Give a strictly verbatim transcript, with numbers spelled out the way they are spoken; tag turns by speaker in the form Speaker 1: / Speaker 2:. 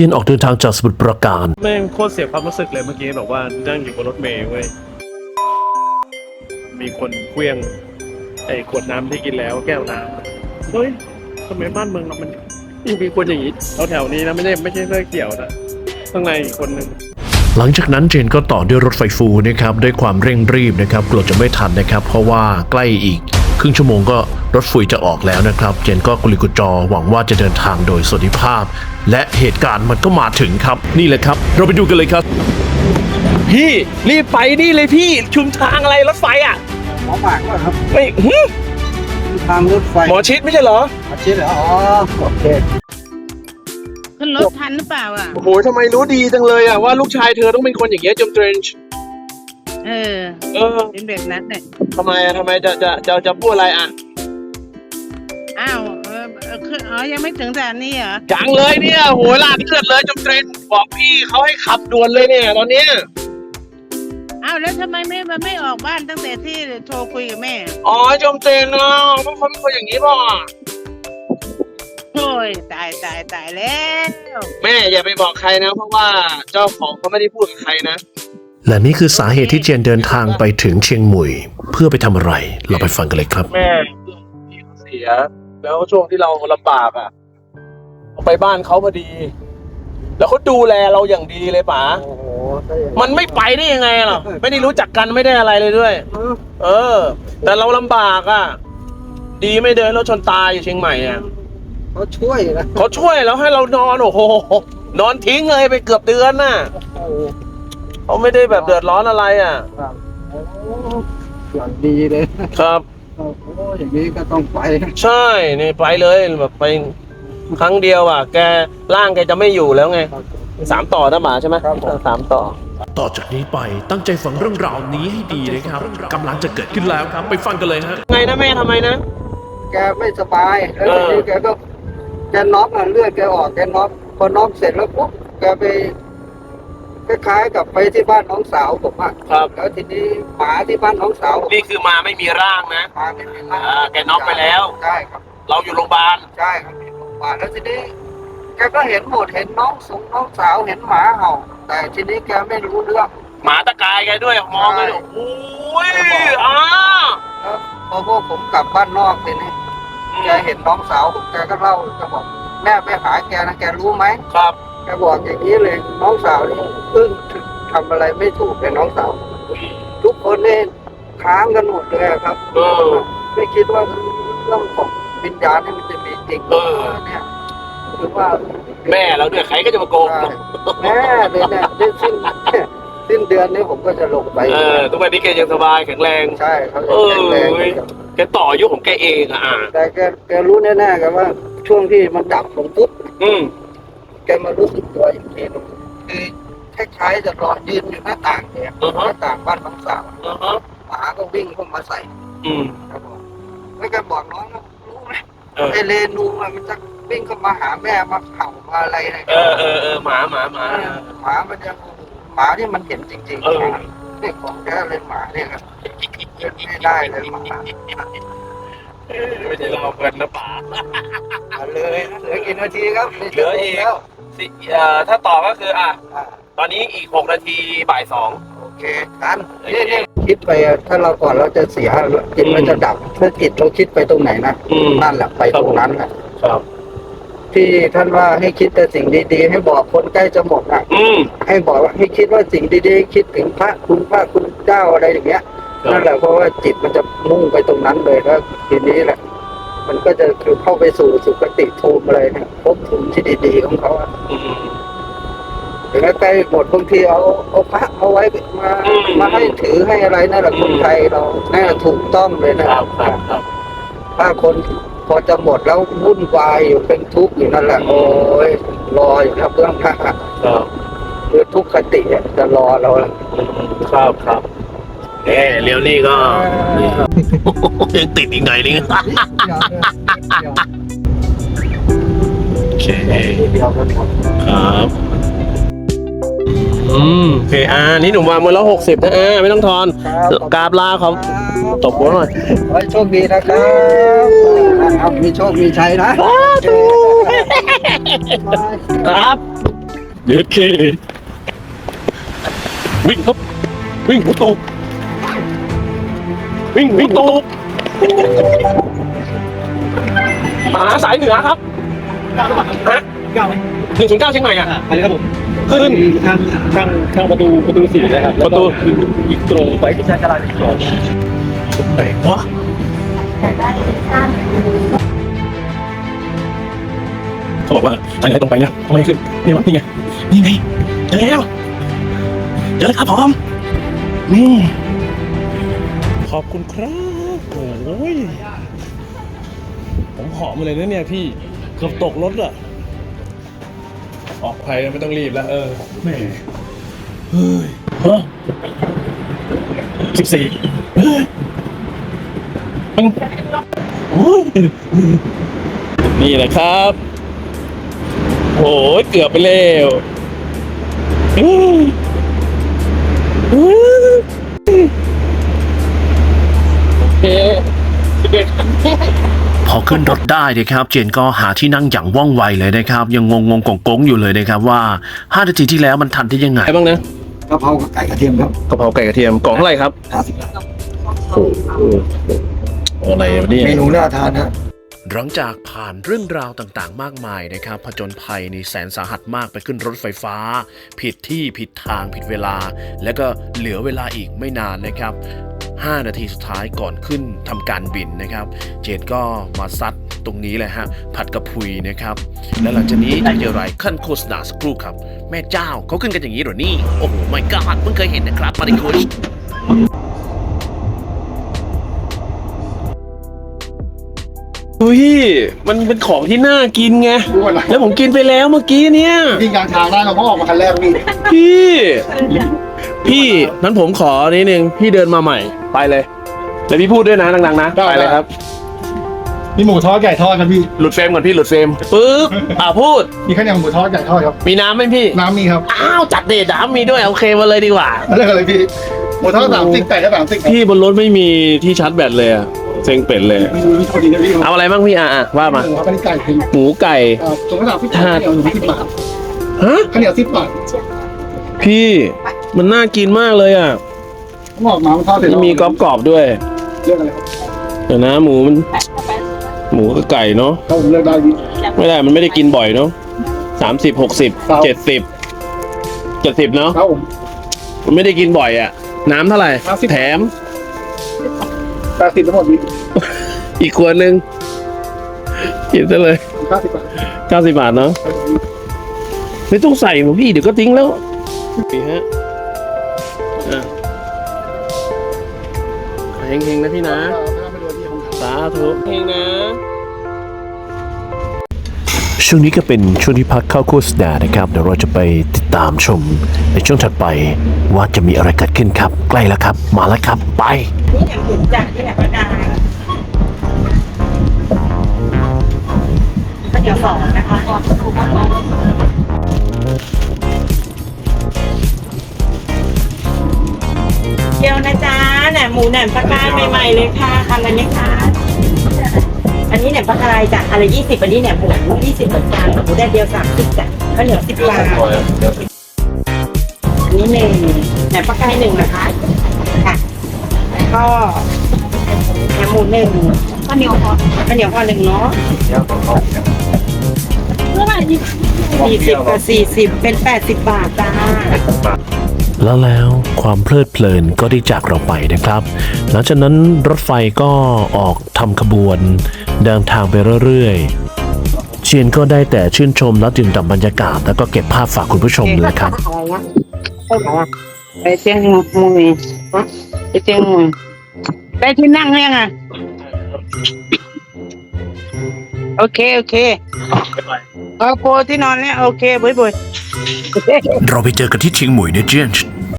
Speaker 1: ทียนออกเดินทางจากสมุทรปราการ
Speaker 2: แม่งโคตรเสียความรู้สึกเลยเมื่อกี้แบบว่านั่งอยู่บนรถเมล์เว้ยมีคนเคลี้ยงไอ้ขวดน้ำที่กินแล้วแก้วน้ำเฮ้ยทำไมบ้านเมืองเรามันยังมีคนอย่างนี้แถวๆนี้นะไม่ใช่ไม่ใช่เรื่องเกี่ยวนะข้างในอีกคนหนึ่ง
Speaker 1: หลังจากนั้นเจนก็ต่อด้วยรถไฟฟูนะครับด้วยความเร่งรีบนะครับกลัวจะไม่ทันนะครับเพราะว่าใกล้อีกครึ่งชั่วโมงก็รถไฟจะออกแล้วนะครับเจนก็กุลิกุจอหวังว่าจะเดินทางโดยสวัสดิภาพและเหตุการณ์มันก็มาถึงครับนี่แหละครับเราไปดูกันเลยครับพี่รีบไปนี่เลยพี่ชุมทางอะไรรถไฟอ่ะ
Speaker 3: หมอหมากว่าครับ
Speaker 1: ไม่
Speaker 3: ทางรถไฟ
Speaker 1: หมอชิดไม่ใช่เหรอ
Speaker 3: หมอชิดเหรออ๋อโอเค
Speaker 4: ขึ้นรถทันหรือเปล่าอ่ะ
Speaker 1: โอ้โหทำไมรู้ดีจังเลยอ่ะว่าลูกชายเธอต้องเป็นคนอย่างเงี้ยจมเทรนช์
Speaker 4: เออ
Speaker 1: เออ
Speaker 4: เป็นแบบนั้นเนี่ย
Speaker 1: ทำไมอ่ะทำไมจะจะจะจะพูดอะไรอ่ะ
Speaker 4: อ้าวเออคืออ๋อยังไม่ถึงแต่นี้เหรอ
Speaker 1: ยังเลยเนี่ยโหลาดเลือดเลยจมเทรนช์บอกพี่เขาให้ขับด่วนเลยเนี่ยตอนเนี้ย
Speaker 4: อ้าวแล้วทำไมไม่มาไม่ออกบ้านตั้งแต่ที่โทรคุยกับแม่
Speaker 1: อ๋อจมเทรนช์เนาะเพราะเขาเป็นคนอย่างนี้ป่ะ
Speaker 4: โอ้ยตายตายตายแล้ว
Speaker 1: แม่อย่าไปบอกใครนะเพราะว่าเจ้าของเขาไม่ได้พูดกับใครนะและนี่คือสาเหตุที่เจนเดินทางไปถึงเชียงหมุยเพื่อไปทำอะไรเราไปฟังกันเลยครับแม่พี่เขาเสียแล้วช่วงที่เราลำบากอ่ะไปบ้านเขาพอดีแล้วเขาดูแลเราอย่างดีเลยป๋าโอ้โหมันไม่ไปได้ยังไงหรอไม่ได้รู้จักกันไม่ได้อะไรเลยด้วยเออแต่เราลำบากอ่ะดีไม่เดินรถชนตายอยู่เชียงใหม่อ่ะ
Speaker 3: เขาช่วยนะ
Speaker 1: เขาช่วยแล้วให้เรานอนโอ้โหนอนทิ้งเลยไปเกือบเดือนน่ะเขาไม่ได้แบบเดือดร้อนอะไรอ่ะ
Speaker 3: โอ้อย่างดีเลย
Speaker 1: ครับ
Speaker 3: โอ้อย่างนี้ก็ต้องไป
Speaker 1: ใช่นี่ไปเลยแบบไปครั้งเดียวอ่ะแกร่างแกจะไม่อยู่แล้วไงสามต่อนะหมาใช่ไหมสามต่อต่อจากนี้ไปตั้งใจฟังเรื่องราวนี้ให้ดีนะครับกำลังจะเกิดขึ้นแล้วครับไปฟังกันเลยฮะไงนะแม่ทำไมนะ
Speaker 3: แกไม่สบายแล้วทีนี้แกก็แกน็อกเลือดแกออกแกน็อกพอน็อกเสร็จแล้วปุ๊บแกไปคล้ายๆกับไปที่บ้านน้องสาวผมอ่ะ
Speaker 1: ครับ
Speaker 3: แล้วทีนี้หมาที่บ้านน้องสาว
Speaker 1: นี่คือมาไม่มีร่างนะ
Speaker 3: มาไม่มีร่าง
Speaker 1: แกน็อกไปแล้ว
Speaker 3: ใช่ครับ
Speaker 1: เราอยู่โรงพยาบาล
Speaker 3: ใช่ครับอยู่โรงพยาบาลแล้วทีนี้แกก็เห็นหมดเห็นน้องสงน้องสาวเห็นหมาเห่าแต่ทีนี้แกไม่รู้เรื่อง
Speaker 1: หมาตะกายแกด้วยมองเลยโอ้ยอ้า
Speaker 3: แล้วพอพวกผมกลับบ้านนอกทีนี้แกเห็นน้องสาวแกก็เล่าแกบอกแม่ไปหาแกนะแกรู้ไหม
Speaker 1: ครับ
Speaker 3: แกบอกอย่างนี้เลยน้องสาวนี่เพิ่งทำอะไรไม่ถูกเลยน้องสาวทุกคนเนี่ยค้างกันหมดเลยครับไม่คิดว่าเรื่องของวิญญาณนี่มันจะมีจริงเนี่ยคือว่า
Speaker 1: แม่เราเนี่ยใครก็จะมาโกง
Speaker 3: แม่เลยเนี่ยสิ้นสิ้นเดือนนี้ผมก็จะลงไป
Speaker 1: เออทุกวันนี้แกยังสบายแข็งแรง
Speaker 3: ใช่เขาแข็งแรง
Speaker 1: แกต่ออายุของแกเองอ่ะ
Speaker 3: แต่แกแกรู้แน่ๆกันว่าช่วงที่มันดับลงปุ๊บแกมารู้สึกตัวอีกทีนึงคือคล้ายๆจะรอยืนอยู่หน้าต่างเนี่ยหน้าต่างบ้านน้องสาวหมาก็วิ่งเข้ามาใส่ครับผมแล้วแกบอกน้องรู้ไหมไอเรนูมันจะวิ่งเข้ามาหาแม่มาเห่ามาอะไรอะไร
Speaker 1: เออเออเออหมาหมาหมา
Speaker 3: หมามันจะหมาที่มันเห็นจริงๆนี่ของแกเลยหมาเนี่ยครับไม่ได้เลยหมา
Speaker 1: ไม่ใช่เราเพื่อนนะป๋า
Speaker 3: เลยเหลือกี่นาทีครับ
Speaker 1: เหลืออีกแล้วถ้าต่อก็คืออ่ะตอนนี้อีกหกนาทีบ่ายสอง
Speaker 3: โอเคกันนี่นี่คิดไปถ้าเราก่อนเราจะเสียจิตมันจะดับถ้าจิตเราคิดไปตรงไหนนะนั่นแหละไปตรงนั้นแหละ
Speaker 1: ครับ
Speaker 3: ที่ท่านว่าให้คิดแต่สิ่งดีๆให้บอกคนใกล้จะหมดอ่ะให้บอกว่าให้คิดว่าสิ่งดีๆคิดถึงพระคุณพระคุณเจ้าอะไรอย่างเงี้ยนั่นแหละเพราะว่าจิตมันจะมุ่งไปตรงนั้นเลยแล้วทีนี้แหละมันก็จะคือเข้าไปสู่สุคติภูมิอะไรเนี่ยภพภูมิที่ดีๆของเขาอ่ะถึงแม้ใกล้หมดบางทีเอาเอาพระเอาไว้มามาให้ถือให้อะไรนั่นแหละคนไทยเราแน่ถูกต้องเลยนะครับถ้าคนพอจะหมดแล้ววุ่นวายอยู่เป็นทุกข์อยู่นั่นแหละโอ้ยรออยู่นะเพื่อนพระคือทุกขติจะรอเรา
Speaker 1: ครับครับเอ๊เลี้ยวนี่ก็ยังติดอีกหน่อยนึงโอเคครับอืมโอเคอ่านี่หนุ่มวางมือแล้วหกสิบนะอ่าไม่ต้องทอนกราบลาเขาตบหัวหน่อย
Speaker 3: ขอให้โชคดีนะครับมีโชคมีชัยนะครับ
Speaker 2: เย็ดเควิ่งครับวิ่งหัวโตวิ่งหัวโตมหาสายเหนือครับฮะหนึ่งศูนย์เก้าเชียงใหม่อ่ะอะไรครับผมขึ้นข้างข้างข้างประตูประตูสี่เลยครับประตูอีกตรงไปที่ชาจราจรไหนวะเขาบอกว่าทางไหนตรงไปนะทำไมขึ้นนี่วะนี่ไงนี่ไงเจอแล้วเจอแล้วครับผมนี่ขอบคุณครับโอ้ยผมหอมมาเลยนะเนี่ยพี่เกือบตกรถอะออกภัยไม่ต้องรีบแล้วเออแม่เฮ้ยฮะสิบสี่เฮ้ยมันโอ้ยนี่แหละครับโอ้ยเกือบไปแล้วอื้ออื้อโอเคสิบเอ็ด
Speaker 1: พอขึ้นรถได้นะครับเจนก็หาที่นั่งอย่างว่องไวเลยนะครับยังงงงงกงๆอยู่เลยนะครับว่าห้านาทีที่แล้วมันทันได้ยังไง
Speaker 2: อะไรบ้างนะ
Speaker 3: กะเพรากับไก่กระเทียมครับ
Speaker 2: กะเพราไก่กระเทียมกล่องเท่าไหร่ครับ
Speaker 3: ห้าสิบบาท
Speaker 2: โอ้โหอะไรวะเนี่ย
Speaker 3: เมนูน่าทานนะ
Speaker 1: หลังจากผ่านเรื่องราวต่างๆ มากมายนะครับผจญภัยในแสนสาหัสมากไปขึ้นรถไฟฟ้า ผิดที่ผิดทางผิดเวลา แล้วก็เหลือเวลาอีกไม่นานนะครับห้านาทีสุดท้ายก่อนขึ้นทำการบินนะครับเจนก็มาซัดตรงนี้เลยฮะผัดกระพุยนะครับและหลังจากนี้จะเจออะไรขั้นโฆษณาสักครู่ครับแม่เจ้าเขาขึ้นกันอย่างนี้เหรอนี่โอ้โหไม่กล้าเพิ่งเคยเห็นนะครับมาริโคช
Speaker 2: เฮ้ยมันเป็นของที่น่ากินไงแล้วผมกินไปแล้วเมื่อกี้เนี่ย
Speaker 3: วิ่งกลางทางได้เราก็ออกมาคันแรกพี่
Speaker 2: พี่พี่นั้นผมขอนิดนึงพี่เดินมาใหม่ไปเลยแล้วพี่พูดด้วยนะดังๆนะไปเลยครับ
Speaker 3: มีหมูทอดไก่ทอดครับพี่
Speaker 2: หลุดเฟรมก่อนพี่หลุดเฟรมปึ๊บอ่าพูด
Speaker 3: มีข้าวเหนียวหมูทอดไก่ทอดครับ
Speaker 2: มีน้ำไหมพี่
Speaker 3: น้ำมีครับ
Speaker 2: อ้าวจัดเด็ดน้ำมีด้วยโอเคมาเลยดีกว่า
Speaker 3: เรื่องอะไรพี่หมูทอดสามสิบไก่ก็สามสิบ
Speaker 2: พี่บนรถไม่มีที่ชาร์จแบตเลยอะเซ็งเป็ดเลย
Speaker 3: เมนูนี้พอดีนะพี่
Speaker 2: เอาอะไรบ้างพี่อ่ะอ่ะว่ามา
Speaker 3: หมูครับอันนี้ไก่คือ
Speaker 2: หมูไก่
Speaker 3: อ่าตัวกระดาษพี่ข้าวเหนียวหนึ่งสิบบาท
Speaker 2: ฮะ
Speaker 3: ข้าวเหนียวสิบบาท
Speaker 2: พี่มันน่ากินมากเลยอ่ะ
Speaker 3: ผมออกมามันทอดเสร็จ
Speaker 2: มันมีกรอบๆด้วย
Speaker 3: เรื่องอะไรครับ
Speaker 2: เดี๋ยวนะหมูมันหมูกับไก่เนาะ
Speaker 3: ถ้าผมเลือกได้พี่
Speaker 2: ไม่ได้มันไม่ได้กินบ่อยเนาะสามสิบหกสิบเจ็ดสิบเจ็ดสิบเนาะ
Speaker 3: ครับผม
Speaker 2: มันไม่ได้กินบ่อยอ่ะน้ำเท่าไหร่
Speaker 3: ห้าสิบ
Speaker 2: แถม
Speaker 3: แปดสิบทั้งหมดพี่
Speaker 2: อีกขวดหนึ่งกินซะเลย
Speaker 3: เก้าสิบบาท
Speaker 2: เก้าสิบบาทเนาะไม่ต้องใส่หมูพี่เดี๋ยวก็ทิ้งแล้วนี่ฮะอ่ะเฮงๆนะพี่นะ
Speaker 3: ไม่รู้ที่ผมท
Speaker 2: สาธุเฮงนะ
Speaker 1: ช่วงนี้ก็เป็นช่วงที่พักเข้าโฆษณานะครับเดี๋ยวเราจะไปติดตามชมในช่วงถัดไปว่าจะมีอะไรเกิดขึ้นครับใกล้แล้วครับมาแล้วครับไป
Speaker 4: นี่อย่างถึงจากที่ไหนก็ได้ก็เดี๋ยวสองนะคะเดี๋ยวนะจ๊ะแหนมหมูแหนมปลากรายใหม่ๆเลยค่ะทำอะไรไหมคะอันนี้แหนมปลากรายจ้ะอะไรยี่สิบอันนี้แหนมหมูยี่สิบเหมือนกันหมูแดดเดียวสามสิบจ้ะข้าวเหนียวสิบบาทอันนี้หนึ่งแหนมปลากรายหนึ่งนะคะค่ะแล้วก็แหนมหมูหนึ่งข้าวเหนียวพอข้าวเหนียวพอหนึ่งเนาะสี่สิบกับสี่สิบเป็นแปดสิบบาทจ้า
Speaker 1: แล้วแล้วความเพลิดเพลินก็ได้จากเราไปนะครับ หลังจากนั้นรถไฟก็ออกทำขบวนเดินทางไปเรื่อยๆเชียนก็ได้แต่ชื่นชมและดื่มด่ำบรรยากาศแล้วก็เก็บภาพฝากคุณผู้ชมเลยครับ
Speaker 4: ไปเชียงมุยไปเชียงมุยได้ที่นั่งยังอ่ะโอเคโอเคเอาโปที่นอนแล้วโอเคบุยบุย
Speaker 1: เราไปเจอกันที่เชียงใหม่นะเจน